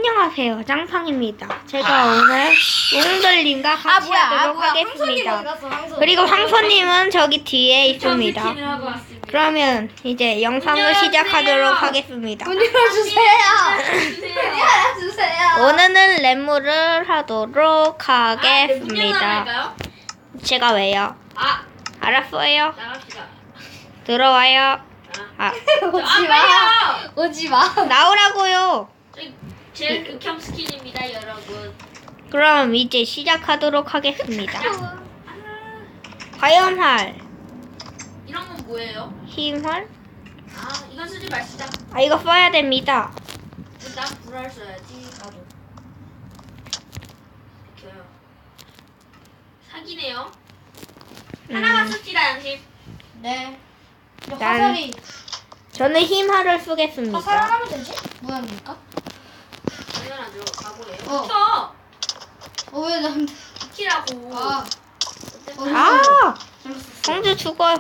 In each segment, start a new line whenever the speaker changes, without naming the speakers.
안녕하세요, 짱팡입니다. 제가 오늘 웅돌님과 같이 하도록 하겠습니다. 그리고 황소님은 저기 뒤에 있습니다. 그러면 이제 영상을 시작하도록 하겠습니다.
문 열어주세요. 문 열어주세요.
오늘은 랩물을 하도록 하겠습니다. 제가 왜요? 알았어요.
나갑시다.
들어와요.
오지 마. 오지 마.
나오라고요.
제 극혐 스킨입니다, 여러분.
그럼 이제 시작하도록 하겠습니다. 화염활,
이런 건 뭐예요?
힘활.
이건 쓰지 마시다.
이거 써야 됩니다.
난 불알 써야지. 나도. 비켜요. 사기네요. 하나만 씁시다, 양심.
네.
난-
화살이
저는 힘활을 쓰겠습니다.
화살하면 되지? 뭐합니까?
당연하죠. 바보래요.
어.
비켜!
왜 난?
비키라고.
아.
아,
잘못했어.
성주 죽어요.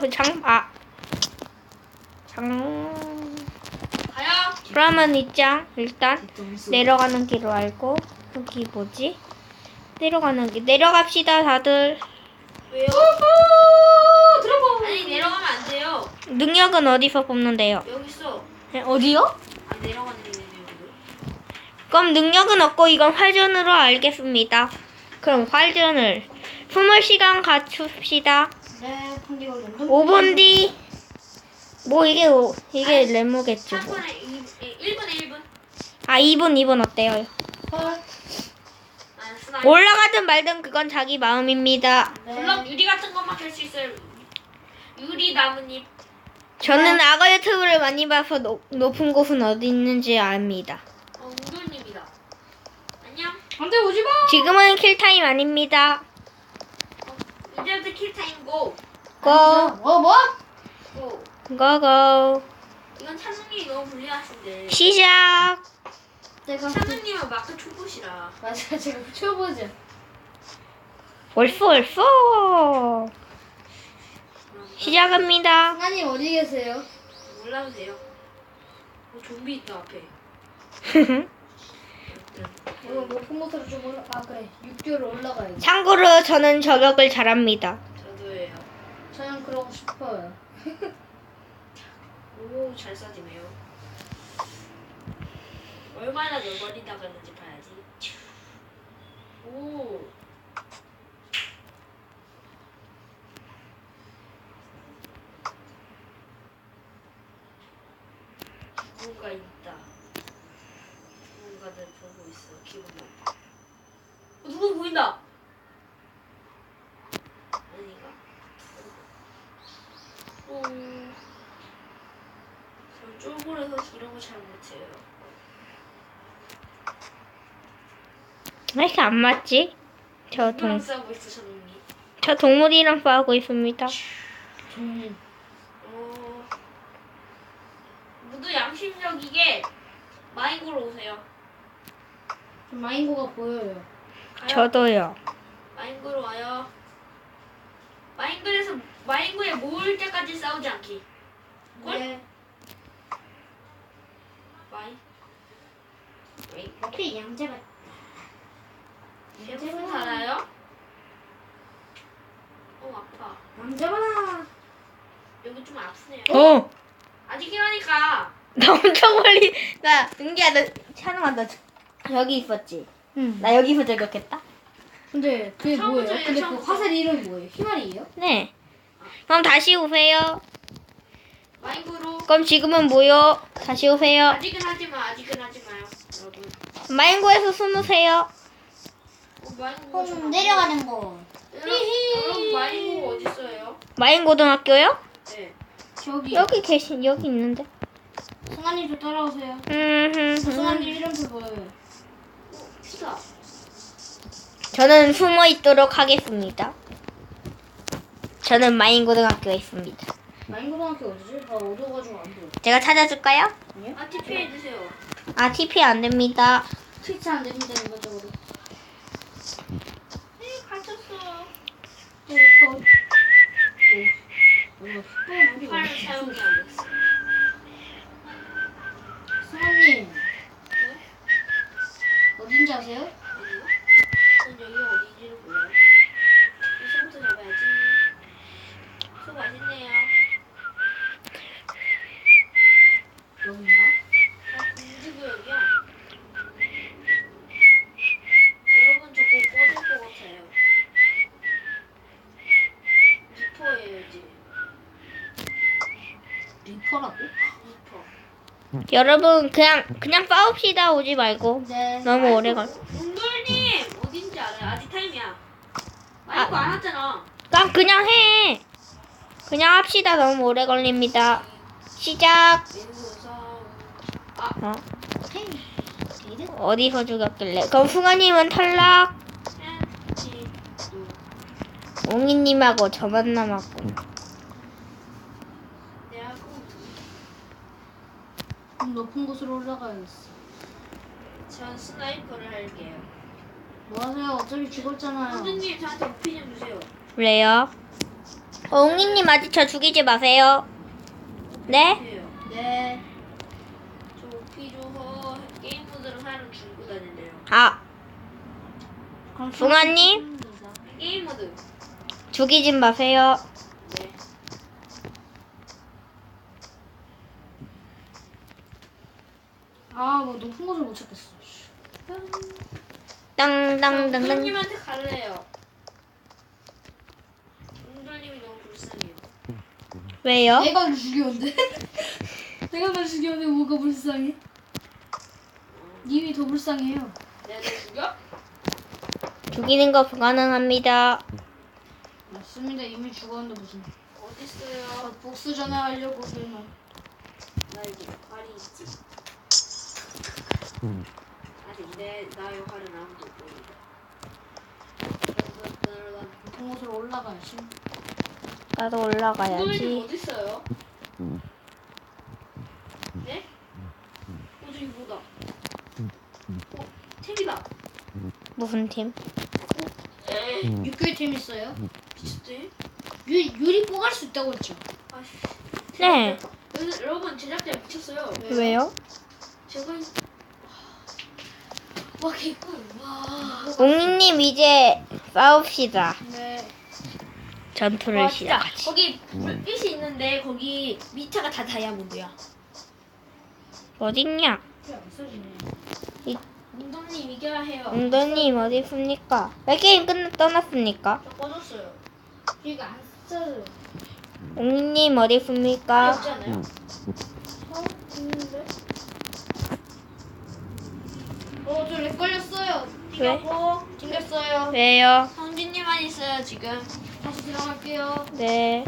가요.
그러면 이장 일단 내려가는 길로 알고 여기 뭐지? 내려가는 길 내려갑시다, 다들.
왜요? 아니, 내려가면 안 돼요.
능력은 어디서 뽑는데요?
여기 있어.
어디요?
내려가는 게 여기.
그럼 능력은 없고 이건 활전으로 알겠습니다. 그럼 활전을 20시간 갖춥시다.
네. 판기가 좀.
5분 뒤. 뭐 이게 레모겠죠. 뭐.
1분에 1분.
2분 어때요?
헐.
스나이퍼.
올라가든 말든 그건 자기 마음입니다.
블럭 유리 같은 것만 할 수 있어요. 유리 나뭇잎.
저는 악어 유튜브를 많이 봐서 높은 곳은 어디 있는지 압니다.
웅돌님이다. 안녕.
안돼 오지 마.
지금은 킬타임 아닙니다.
이제부터 킬타임 고.
고!
뭐?
고.
고고!
이건 찬우님이 너무 불리하신데.
시작!
내가
찬우님은 마크 초보시라.
맞아 제가 쳐보자.
벌써! 시작합니다.
승아님 어디 계세요?
몰라도 돼요. 좀비 있다 앞에.
이거 높은 곳으로 좀 올라. 그래. 6개월 올라가야지.
참고로 저는 저격을 잘합니다.
저도예요.
저는 그러고 싶어요.
오, 잘 쏴지네요. 얼마나 멀리 나갔는지 봐야지. 오. 누군가 있다. 누군가를 보고 있어. 기분 나빠. 누구 보인다. 아닌가? 오. 저 쫄보라서 이런 거 잘 못해요.
왜 이렇게 안 맞지?
누구랑 싸우고 있어, 저놈이.
저 동물이랑 싸우고 있습니다.
모두 양심적이게 마인고로 오세요.
좀 마인고가 보여요.
가요.
저도요.
마인고로 와요. 마인고에 모을 때까지 싸우지 않기. 꼴?
네. 옆에 양재가.
대부분 살아요? 아파.
양재가.
여기 좀 아프네요. 아직이라니까.
나 엄청 멀리. 나, 은기야, 너, 찬웅아, 너 여기 있었지?
응.
나 여기서 저격했다?
근데 그게 뭐예요?
처음부터
근데 그
처음부터.
화살 이름이 뭐예요? 희말이에요?
네. 그럼 다시 오세요.
마인고로.
그럼 지금은 뭐요? 다시 오세요.
아직은 하지 마요, 여러분.
마인고에서 숨으세요.
마인고 좀
내려가는 거.
여러분 마인고 어디 있어요?
마인고등학교요?
네.
저기.
여기 있는데.
승아님 좀 따라오세요.
음.
승아님 이름표 보여요.
피다.
저는 숨어 있도록 하겠습니다. 저는 마인고등학교에 있습니다.
마인고등학교 어디지? 나 어두워가지고 안 보여.
제가 찾아줄까요?
아니요?
TP 해주세요.
TP 안 됩니다.
트위치 안 됩니다 일반적으로.
갇혔어.
우리
팔을 사용이 안 됐어.
승아님 아세요?
아니요. 전 여기가 어디인지를 몰라요. 손부터 잡아야지. 소 맛있네요.
여긴가?
공주구역이야. 여러분 저거 꺼질 것 같아요. 리퍼예요 이제.
리퍼라고?
리퍼.
여러분 그냥 싸웁시다. 오지 말고.
네.
너무 오래 걸.
웅돌님 어딘지 알아요? 아직 타임이야. 마이크 안 왔잖아.
그냥 해. 그냥 합시다. 너무 오래 걸립니다. 시작.
맹구성.
어?
헤이. 이래?
어디서 죽였길래? 그럼 승아님은 탈락.
햄치도.
옹이님하고 저만 남았군.
내가 꼭
좀 높은 곳으로 올라가야겠어.
전 스나이퍼를 할게요.
뭐 하세요? 어차피 죽었잖아요.
선생님 저한테 오피 좀 주세요.
왜요? 옹이님 아직 저 죽이지 마세요. 네?
주세요.
네.
저 오피 줘서 게임 모드를 하루 줄고 다닌대요.
아,
그럼
붕아님?
게임 모드.
죽이지 마세요.
네.
아, 뭐 높은 곳을 못 찾겠어.
땅땅땅땅.
웅돌님한테 갈래요. 웅돌님이 너무 불쌍해요.
왜요?
내가 날 죽였는데? 내가 날 죽였는데 뭐가 불쌍해? 님이 더 불쌍해요.
내가 너 죽여?
죽이는 거 불가능합니다.
맞습니다. 이미 죽었는데 무슨.
어딨어요?
복수 전화하려고 그러면.
나 이제 역할이 있지. 아직 나 역할은 아무도 못 보인다.
높은 곳으로 올라가야지.
나도
웅돌님
올라가야지.
어딨어요? 네? 저기 뭐다. 템이다.
무슨 팀?
육교의 템 있어요?
미쳤지?
유리 뽀갈 수 있다고 했죠?
아씨.
네.
여러분 제작자 미쳤어요.
왜요?
제가
와 개꿀. 와.
옹이님 이제 싸웁시다.
네.
전투를
와 진짜
시작하지.
거기 불빛이 있는데 거기 밑에가 다 다이아몬드야.
어딨냐?
그래 안 써지네.
웅동님 이겨야 해요.
웅더님 어디 있습니까? 왜 게임 떠났습니까?
저 꺼졌어요.
이거 안 써요.
옹이님 어디 있습니까?
없지 않아요?
있는데? 저렉 걸렸어요.
왜?
튕겼고
튕겼어요.
왜요?
성진님만 있어요 지금.
다시 들어갈게요.
네.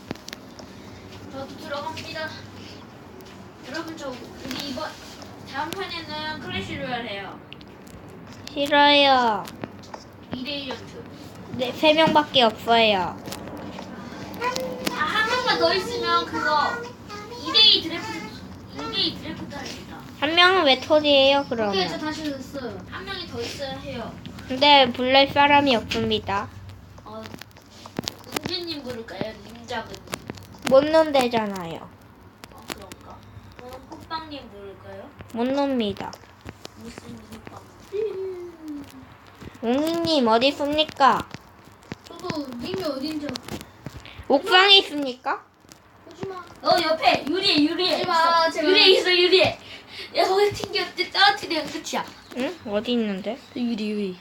저도 들어갑니다. 여러분 저 우리 이번 다음 판에는 클래시 로얄 해요.
싫어요.
2대1 전투.
네, 3명밖에 없어요.
한 명만 더 있으면 그거 2대2 드래프트 합니다.
한 명은 왜 토지예요,
오케이 저
그러면?
다시 됐어요.
한 명이 더 있어야 해요.
근데 불날 사람이 없습니다.
은주님 부를까요? 님작은.
못 논대잖아요.
그런가? 호빵님 부를까요?
못 놉니다.
무슨 호빵?
옹이님 어디 있습니까?
저도 님이 어딘지
옥상에 있습니까?
오지마.
옆에 유리에
하지마,
있어.
제발.
유리에 있어 유리에. 야 거기 튕겼지 떨어뜨리면 끝이야.
응? 어디 있는데?
유리.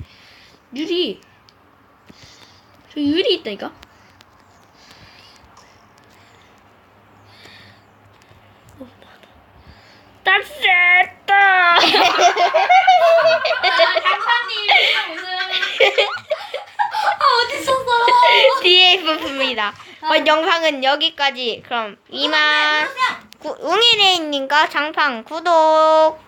저 유리 있다니까.
땄다.
장판님
어디 있었어?
뒤에 있었습니다. 영상은 여기까지. 그럼 이만 웅이레인님과 장판 구독.